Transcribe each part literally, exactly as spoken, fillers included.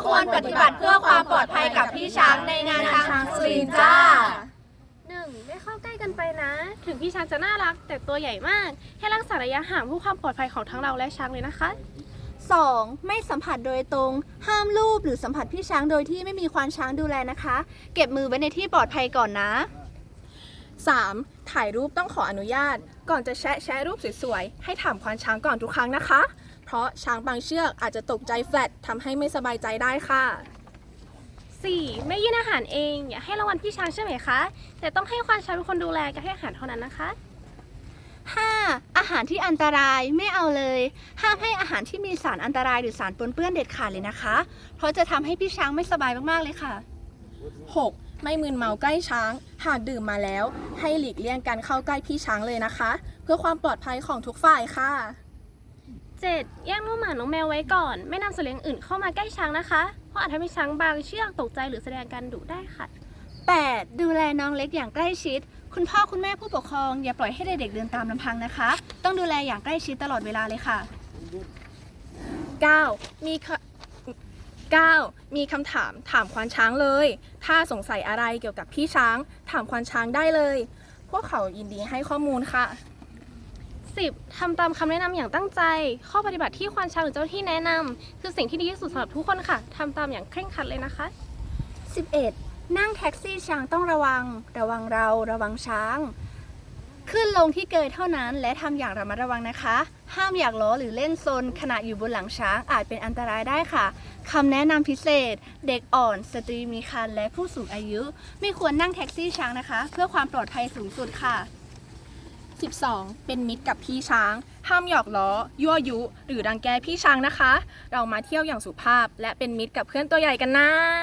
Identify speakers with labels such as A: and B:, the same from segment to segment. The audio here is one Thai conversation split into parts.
A: ควรปฏิบัติเพื่อความปลอดภัยกับพี่ช้างในงานช้างสุรินทร์จ้า
B: หนึ่งไม่เข้าใกล้กันไปนะ ถึงพี่ช้างจะน่ารักแต่ตัวใหญ่มาก ให้รักษาระยะห่างเพื่อความปลอดภัยของทั้งเราและช้างเลยนะคะ
C: สองไม่สัมผัสโดยตรง ห้ามลูบหรือสัมผัสพี่ช้างโดยที่ไม่มีควานช้างดูแลนะคะ เก็บมือไว้ในที่ปลอดภัยก่อนนะ
D: สามถ่ายรูปต้องขออนุญาต ก่อนจะแชะแชะรูปสวยๆให้ถามควานช้างก่อนทุกครั้งนะคะ เพราะช้างบางเชือกอาจจะตกใจแฟลตทำให้ไม่สบายใจได้ค่ะ
B: สี่ไม่ยื่นอาหารเองอย่าให้รางวัลพี่ช้างใช่ไหมคะ แต่ต้องให้ควานช้างเป็นคนดูแลกับให้อาหารเท่านั้นนะคะ
C: ห้า อาหารที่อันตรายไม่เอาเลย ห้ามให้อาหารที่มีสารอันตรายหรือสารปนเปื้อนเด็ดขาดเลยนะคะ เพราะจะทำให้พี่ช้างไม่สบายมากๆเลยค่ะ
D: หกไม่มึนเมาใกล้ช้าง หากดื่มมาแล้ว ให้หลีกเลี่ยงการเข้าใกล้พี่ช้างเลยนะคะ เพื่อความปลอดภัยของทุกฝ่ายค่ะ
B: เจ็ดแยกน้องหมาน้องแมวไว้ก่อน ไม่นำสัตว์เลี้ยงอื่นเข้ามาใกล้ช้างนะคะ เพราะอาจทำให้ช้างบางเชือกตกใจหรือแสดงการดุได้ค่ะ
C: แปด ดูแลน้องเล็กอย่างใกล้ชิด คุณพ่อคุณแม่ผู้ปกครองอย่าปล่อยให้เด็กๆเดินตามลำพังนะคะ ต้องดูแลอย่างใกล้ชิดตลอดเวลาเลยค่ะ
D: เก้ามีคเก้ามีคำถามถามควานช้างเลย ถ้าสงสัยอะไรเกี่ยวกับพี่ช้าง ถามควานช้างได้เลย พวกเขายินดีให้ข้อมูลค่ะ
B: สิบทำตามคำแนะนำอย่างตั้งใจ ข้อปฏิบัติที่ควานช้างหรือเจ้าหน้าที่แนะนำคือสิ่งที่ดีที่สุดสำหรับทุกคนค่ะทำตามอย่างเคร่งครัดเลยนะคะ
C: สิบเอ็ด นั่งแท็กซี่ช้างต้องระวัง ระวังเราระวังช้าง ขึ้นลงที่เกยเท่านั้นและทำอย่างระมัดระวังนะคะ ห้ามอยากล้อหรือเล่นซนขณะอยู่บนหลังช้างอาจเป็นอันตรายได้ค่ะคำแนะนำพิเศษ เด็กอ่อน สตรีมีครรภ์และผู้สูงอายุ ไม่ควรนั่งแท็กซี่ช้างนะคะ เพื่อความปลอดภัยสูงสุดค่ะ
D: สิบสองเป็นมิตรกับพี่ช้าง ห้ามหยอกล้อ ยั่วยุ หรือรังแกพี่ช้างนะคะ เรามาเที่ยวอย่างสุภาพ และเป็นมิตรกับเพื่อนตัวใหญ่กันนะ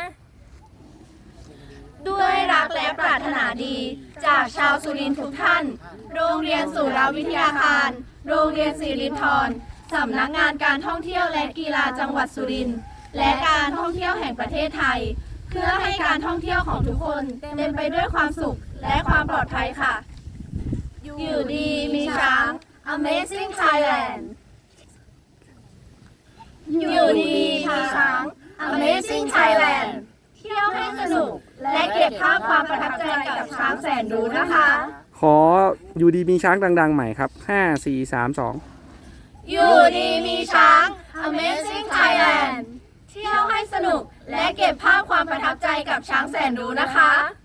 A: ด้วยรักและปรารถนาดี จากชาวสุรินทร์ทุกท่าน โรงเรียนสุราวิทยาคาร โรงเรียนสิรินธรสำนักงานการท่องเที่ยวและกีฬาจังหวัดสุรินทร์และการท่องเที่ยวแห่งประเทศไทย เพื่อให้การท่องเที่ยวของทุกคนเต็มไปด้วยความสุขและความปลอดภัยค่ะ อยู่ดีมีช้าง Amazing Thailand อยู่ดีมีช้าง Amazing Thailand เที่ยวให้สนุกและเก็บภาพความประทับใจกับช้างแสนรู้นะคะ
E: ขออยู่ดีมีช้างดังๆใหม่ครับห้า สี่ สาม สอง
A: อยู่ดีมีช้าง Amazing Thailand เที่ยวให้สนุกและเก็บภาพความประทับใจกับช้างแสนรู้นะคะ